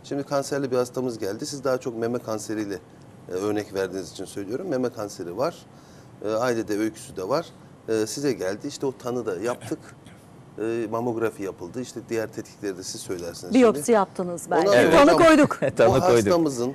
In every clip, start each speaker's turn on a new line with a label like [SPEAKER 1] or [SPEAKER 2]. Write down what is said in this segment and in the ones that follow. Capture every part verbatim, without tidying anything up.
[SPEAKER 1] Şimdi kanserli bir hastamız geldi. Siz daha çok meme kanseriyle e, örnek verdiğiniz için söylüyorum. Meme kanseri var. E, ailede öyküsü de var. E, size geldi. İşte o tanı da yaptık. E, mamografi yapıldı. İşte diğer tetkikleri de siz söylersiniz.
[SPEAKER 2] Biyopsi
[SPEAKER 1] şimdi.
[SPEAKER 2] yaptınız belki.
[SPEAKER 1] Ondan sonra
[SPEAKER 2] Tanı
[SPEAKER 1] hocam,
[SPEAKER 2] koyduk.
[SPEAKER 1] Bu
[SPEAKER 3] Tanı koyduk.
[SPEAKER 1] hastamızın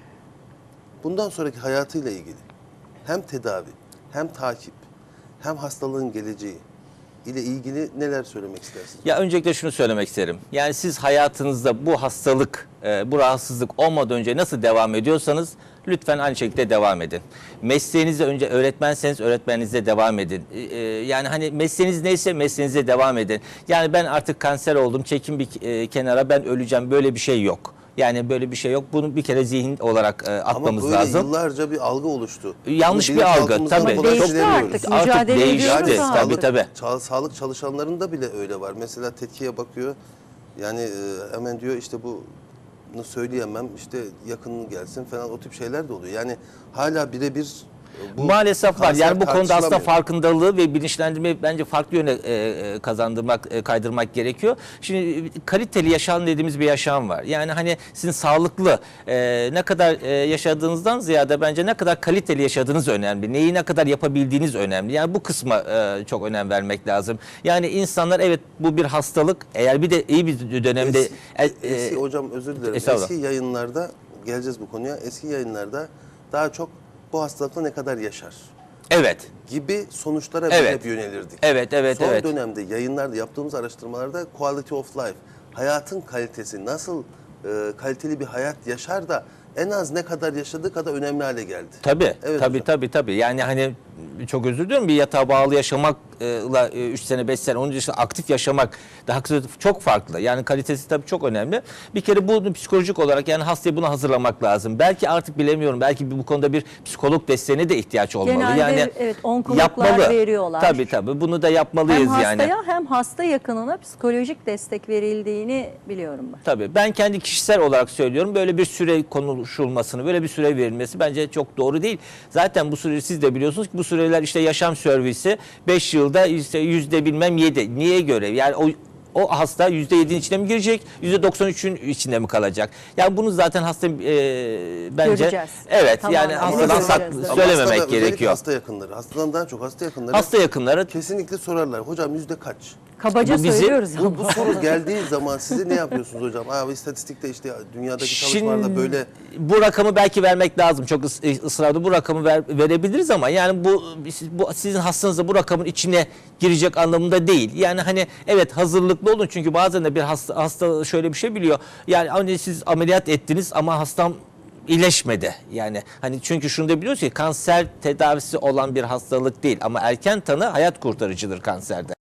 [SPEAKER 1] bundan sonraki hayatıyla ilgili hem tedavi, hem takip, hem hastalığın geleceği ile ilgili neler söylemek istersiniz?
[SPEAKER 3] Ya öncelikle şunu söylemek isterim. Yani siz hayatınızda bu hastalık, e, bu rahatsızlık olmadan önce nasıl devam ediyorsanız lütfen aynı şekilde devam edin. Mesleğinizi önce öğretmenseniz öğretmeninize devam edin. E, e, yani hani mesleğiniz neyse mesleğinize devam edin. Yani ben artık kanser oldum, çekin bir e, kenara, ben öleceğim, böyle bir şey yok. Yani böyle bir şey yok. Bunu bir kere zihin olarak e, atmamız
[SPEAKER 1] Ama böyle
[SPEAKER 3] lazım.
[SPEAKER 1] yıllarca bir algı oluştu.
[SPEAKER 3] Yanlış
[SPEAKER 1] Bunu
[SPEAKER 3] bir algı,
[SPEAKER 1] bilinçaltımızdan
[SPEAKER 3] tabii.
[SPEAKER 1] kolay
[SPEAKER 2] Değişti
[SPEAKER 1] silemiyoruz.
[SPEAKER 2] artık.
[SPEAKER 3] Artık
[SPEAKER 2] Mücadele
[SPEAKER 3] değişti.
[SPEAKER 2] ediyoruz
[SPEAKER 1] Yani
[SPEAKER 2] abi.
[SPEAKER 3] Tabii tabii.
[SPEAKER 1] ça- sağlık çalışanlarında bile öyle var. Mesela tetkiye bakıyor. Yani e, hemen diyor işte bu bunu söyleyemem, işte yakının gelsin falan, o tip şeyler de oluyor. Yani hala birebir e, bu
[SPEAKER 3] Maalesef var.
[SPEAKER 1] kanser
[SPEAKER 3] Yani bu konuda aslında
[SPEAKER 1] tartışılamıyor.
[SPEAKER 3] farkındalığı ve bilinçlendirmeyi bence farklı yöne e, e, kazandırmak, e, kaydırmak gerekiyor. Şimdi kaliteli yaşam dediğimiz bir yaşam var. Yani hani sizin sağlıklı e, ne kadar e, yaşadığınızdan ziyade bence ne kadar kaliteli yaşadığınız önemli. Neyi ne kadar yapabildiğiniz önemli. Yani bu kısma e, çok önem vermek lazım. Yani insanlar, evet bu bir hastalık. Eğer bir de iyi bir dönemde
[SPEAKER 1] Eski,
[SPEAKER 3] e, e,
[SPEAKER 1] eski hocam özür dilerim.
[SPEAKER 3] Estağfurullah.
[SPEAKER 1] Eski yayınlarda geleceğiz bu konuya. Eski yayınlarda daha çok bu hastalıkla ne kadar yaşar
[SPEAKER 3] evet.
[SPEAKER 1] gibi sonuçlara biz
[SPEAKER 3] Evet.
[SPEAKER 1] hep yönelirdik.
[SPEAKER 3] Evet, evet,
[SPEAKER 1] Son
[SPEAKER 3] evet.
[SPEAKER 1] dönemde yayınlarda yaptığımız araştırmalarda quality of life, hayatın kalitesi, nasıl e, kaliteli bir hayat yaşar da en az ne kadar yaşadığı kadar önemli hale geldi.
[SPEAKER 3] Tabii,
[SPEAKER 1] Evet
[SPEAKER 3] tabii,
[SPEAKER 1] hocam.
[SPEAKER 3] tabii, tabii. Yani hani çok özür diliyorum, bir yatağa bağlı yaşamakla üç sene, beş sene, onun dışında aktif yaşamak daha kısa, çok farklı. Yani kalitesi tabii çok önemli. Bir kere bunu psikolojik olarak, yani hastayı buna hazırlamak lazım. Belki artık bilemiyorum, belki bu konuda bir psikolog desteğine de ihtiyaç olmalı.
[SPEAKER 2] Genelde
[SPEAKER 3] yani
[SPEAKER 2] evet, onkologlar veriyorlar.
[SPEAKER 3] Tabii tabii, bunu da yapmalıyız
[SPEAKER 2] Hem hastaya
[SPEAKER 3] yani.
[SPEAKER 2] hem hasta yakınına psikolojik destek verildiğini biliyorum ben.
[SPEAKER 3] Tabii, ben kendi kişisel olarak söylüyorum, böyle bir süre konuşulmasını, böyle bir süre verilmesi bence çok doğru değil. Zaten bu süre, siz de biliyorsunuz ki bu süreler işte yaşam servisi beş yılda işte yüzde bilmem yedi. Niye göre? Yani o o hasta yüzde yedinin içine mi girecek, yüzde doksan üçün içinde mi kalacak? Yani bunu zaten hasta e, bence
[SPEAKER 2] Göreceğiz.
[SPEAKER 3] evet,
[SPEAKER 2] Tamamen
[SPEAKER 3] yani
[SPEAKER 2] öyle
[SPEAKER 3] hastadan sak,
[SPEAKER 2] göreceğiz.
[SPEAKER 1] Ama
[SPEAKER 3] söylememek
[SPEAKER 1] hastada, özellikle
[SPEAKER 3] gerekiyor.
[SPEAKER 1] hasta yakınları, hastadan daha çok hasta yakınları
[SPEAKER 3] Hasta yakınları
[SPEAKER 1] kesinlikle sorarlar. Hocam yüzde kaç?
[SPEAKER 2] Kabaca
[SPEAKER 3] Bu bizi-
[SPEAKER 2] söylüyoruz
[SPEAKER 1] Bu,
[SPEAKER 2] ama.
[SPEAKER 1] bu soru geldiği zaman size ne yapıyorsunuz hocam? Abi istatistikte işte dünyadaki çalışmalarda böyle
[SPEAKER 3] bu rakamı belki vermek lazım. Çok ıs- ısrarlı bu rakamı ver, verebiliriz ama yani bu, bu sizin hastanızda bu rakamın içine girecek anlamında değil. Yani hani evet, hazırlıklı olun, çünkü bazen de bir hasta, hasta şöyle bir şey biliyor. Yani hani siz ameliyat ettiniz ama hastam iyileşmedi. Yani hani çünkü şunu da biliyoruz ki kanser tedavisi olan bir hastalık değil, ama erken tanı hayat kurtarıcıdır kanserde.